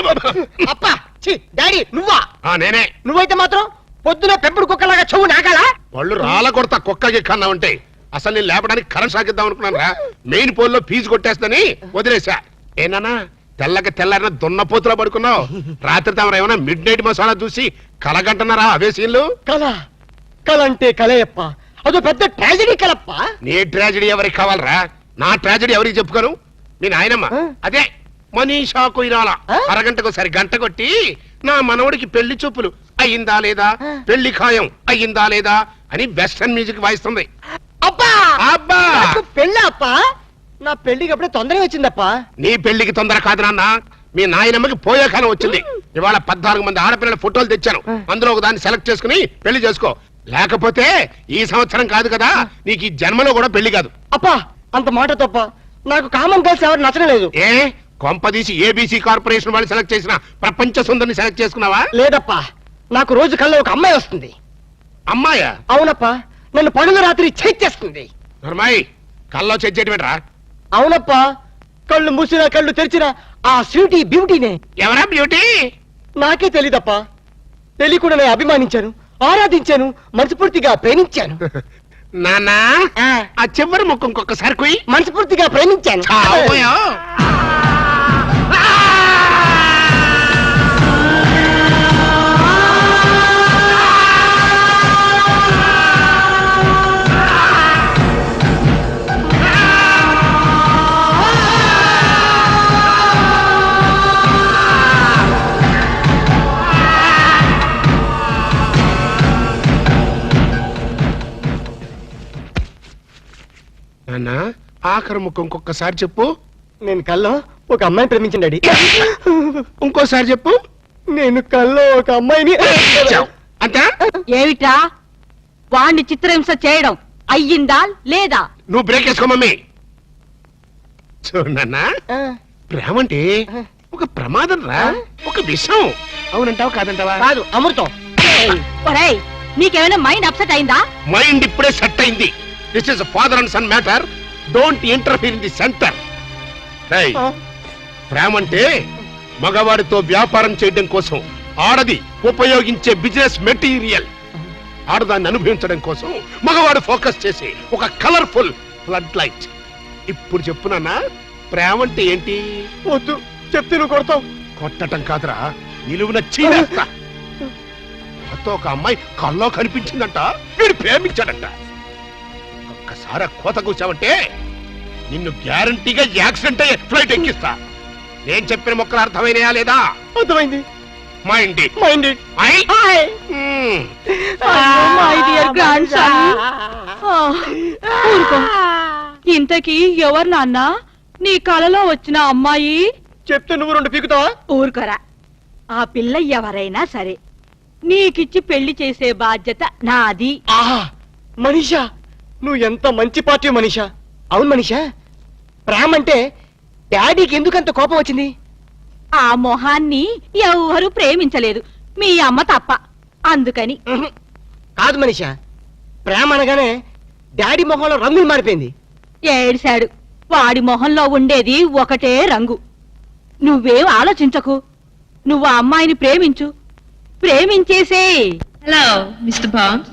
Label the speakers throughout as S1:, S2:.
S1: అప్పా డాడీ నువ్వా?
S2: నేనే.
S1: నువ్వైతే మాత్రం పొద్దున పెంపుడు కుక్కలాగా చెవు నాగాలా?
S2: వాళ్ళు రాళ్ళ కొడతా కుక్కకి కన్నా ఉంటే అసలు నేను లేపడానికి కరెంట్ సాగిద్దాం అనుకున్నాను రా. మెయిన్ పోల్ లో ఫీజు కొట్టేస్తని వదిలేసా. ఏనా తెల్లకి తెల్లారిన దున్నపోతులా పడుకున్నావు. రాత్రి తమరు ఏమైనా మిడ్ నైట్ మసాలా చూసి కలగంటున్నారా అవే సీన్లు?
S1: కల అంటే కలయప్ప, అదో పెద్ద ట్రాజడీ కలప్ప.
S2: నీ ట్రాజడీ ఎవరికి కావాలరా? నా ట్రాజడీ ఎవరికి చెప్పుకోను? మీ నాయనమ్మ అదే మనీషా కొయిరాల అరగంటకు సరి గంట కొట్టి నా మనవడికి పెళ్లి చూపులు అయ్యిందా లేదా, పెళ్లి ఖాయం అయ్యిందా లేదా అని వెస్టర్న్ మ్యూజిక్ వాయిస్తుంది.
S1: అబ్బా
S2: అబ్బా
S1: పెళ్ళి అప్ప, నా పెళ్లికి అప్పుడే తొందరగా వచ్చిందప్పా.
S2: నీ పెళ్లికి తొందర కాదు నాన్న, మీ నాయనమ్మకి పోయే కాలం వచ్చింది. ఇవాళ 14 మంది ఆడపిల్లల ఫోటోలు తెచ్చాను, అందులో ఒక దాన్ని సెలెక్ట్ చేసుకుని పెళ్లి చేసుకో. లేకపోతే ఈ సంవత్సరం కాదు కదా, నీకు ఈ జన్మలో కూడా పెళ్లి కాదు.
S1: అప్పా అంత మాట తప్ప, నాకు కామన్ గర్ల్స్ ఎవరు నచ్చడం లేదు.
S2: ఏ కొంపదీసి ఏబీసీ కార్పొరేషన్ వాళ్ళు సెలెక్ట్ చేసిన ప్రపంచ సుందరిని సెలెక్ట్ చేసుకున్నావా?
S1: లేదప్పా, నాకు రోజు కల్లో ఒక అమ్మాయి వస్తుంది.
S2: అమ్మాయా?
S1: అవునప్పా, నన్ను పనులు రాత్రి చేస్తుంది.
S2: నర్మాయి కల్లో చెయ్యటమేట్రా?
S1: అవునప్పా, కళ్ళు మూసినా కళ్ళు తెరిచినా ఆ స్వీటీ బ్యూటీనే.
S2: ఎవరా బ్యూటీ?
S1: నాకే తెలీదప్పా. తెలియకుండా నేను అభిమానించాను, ఆరాధించాను, మనస్ఫూర్తిగా ప్రేమించాను.
S2: నానా ఆ చివరి ముక్కు ఇంకొకసారి కుయ్.
S1: మనస్ఫూర్తిగా ప్రేమించాను.
S2: నాన్న ఆఖరి ముక్కు ఇంకొకసారి చెప్పు.
S1: నేను కల్లో ఒక అమ్మాయిని ప్రేమించండి డాడీ.
S2: ఇంకోసారి చెప్పు.
S1: నేను కల్లో ఒక అమ్మాయిని.
S2: అంతా
S3: ఏమిట్రా వాణ్ణి చిత్రహింస చేయడం అయ్యిందా లేదా?
S2: నువ్వు బ్రేక్ వేసుకో మమ్మీ. చూడన్నా, ప్రేమ అంటే ఒక ప్రమాదం రా, ఒక విషయం. అవునంటావా కాదంటావా?
S1: కాదు, అమృతం.
S3: ఒరేయ్, నీకేమైనా మైండ్ అప్సెట్ అయిందా?
S2: మైండ్ ఇప్పుడే సెట్ అయింది. This is father and son matter. Don't interfere in the center. ప్రేమ అంటే మగవాడితో వ్యాపారం చేయడం కోసం ఆడది ఉపయోగించే బిజినెస్ మెటీరియల్. ఆడదాన్ని అనుభవించడం కోసం మగవాడు ఫోకస్ చేసి ఒక కలర్ఫుల్ ఫ్లడ్ లైట్. ఇప్పుడు చెప్పునన్నా, ప్రేమ అంటే ఏంటి?
S1: వద్దు చెప్తే నువ్వు కొడతావు.
S2: కొట్టటం కాదురా, నిలువున చీరేస్తా. కొత్త ఒక అమ్మాయి కల్లో కనిపించిందంట, వీడు ప్రేమించాడంట. ఒక్కసారి కోత కూర్చావంటే నిన్ను గ్యారంటీగా యాక్సిడెంట్ అయ్యే ఫ్లైట్ ఎక్కిస్తా. నేను చెప్పిన మొక్కలు అర్థమైనయా లేదా?
S1: అర్థమైంది.
S2: మైండ్
S3: ఇంతకీ ఎవరు నాన్న నీ కలలో వచ్చిన అమ్మాయి?
S1: చెప్తే నువ్వు 2 పీకుతావా?
S3: ఊరుకోరా. ఆ పిల్ల ఎవరైనా సరే నీకిచ్చి పెళ్లి చేసే బాధ్యత నాది.
S1: మనీషా, నువ్వు ఎంత మంచి పార్టీ మనీషా. అవును మనీషా, ప్రేమ అంటే డాడీకి ఎందుకంత కోపం వచ్చింది?
S3: ఆ మొహాన్ని ఎవరు ప్రేమించలేదు, మీ అమ్మ తప్ప. అందుకని.
S1: కాదు మనీషా, ప్రేమ అనగానే డాడీ మొహంలో రంగులు మారిపోయింది.
S3: ఏడిశాడు. వాడి మొహంలో ఉండేది ఒకటే రంగు. నువ్వేం ఆలోచించకు, నువ్వు ఆ అమ్మాయిని ప్రేమించు, ప్రేమించేసే.
S4: Hello mister Bond.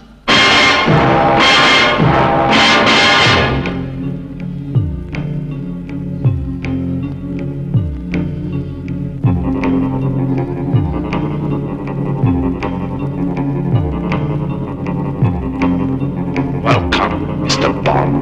S2: Welcome, Mr. Bond.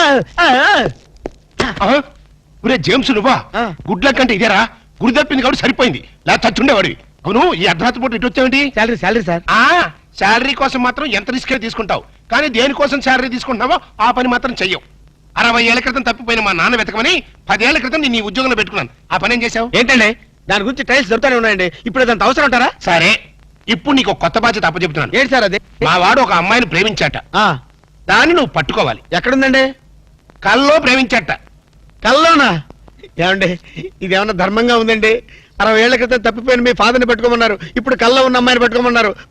S2: ఒరే జేమ్స్ నువ్వా
S1: ఆ.
S2: గుడ్ల కంటే ఇదేరా గుడి తప్పింది కాబట్టి సరిపోయింది లేదా చచ్చుండేవాడివి అవును ఈ అర్ధరాత్రి పూట ఇటు వచ్చావేంటి
S1: శాలరీ సార్
S2: ఆ శాలరీ కోసం మాత్రం ఎంత రిస్క్ తీసుకుంటావు కానీ దేనికోసం శాలరీ తీసుకుంటున్నావో ఆ పని మాత్రం చెయ్యవు 60 ఏళ్ల క్రితం తప్పిపోయిన మా నాన్న వెతకమని 10 ఏళ్ల క్రితం నేను ఈ ఉద్యోగంలో పెట్టుకున్నాను ఆ పని ఏం చేశావు
S1: ఏంటండి దాని గురించి టైల్స్ దొరుకుతానే ఉన్నాయండి ఇప్పుడు అదంత అవసరం ఉంటారా
S2: సరే ఇప్పుడు నీకు ఒక కొత్త బాధ్యత అప్పచెప్తున్నాను
S1: ఏంటి సార్ అది
S2: మా వాడు ఒక అమ్మాయిని ప్రేమించాట
S1: ఆ,
S2: దాన్ని నువ్వు పట్టుకోవాలి
S1: ఎక్కడుందండి
S2: కల్లో ప్రేమించాట
S1: కల్లోనా ఏమండి ఇది ఏమన్నా ధర్మంగా ఉందండి 60 ఏళ్ల క్రితం తప్పిపోయిన మీ ఫాదర్ని పెట్టుకోమన్నారు ఇప్పుడు కల్లో ఉన్న అమ్మాయిని పెట్టుకోమన్నారు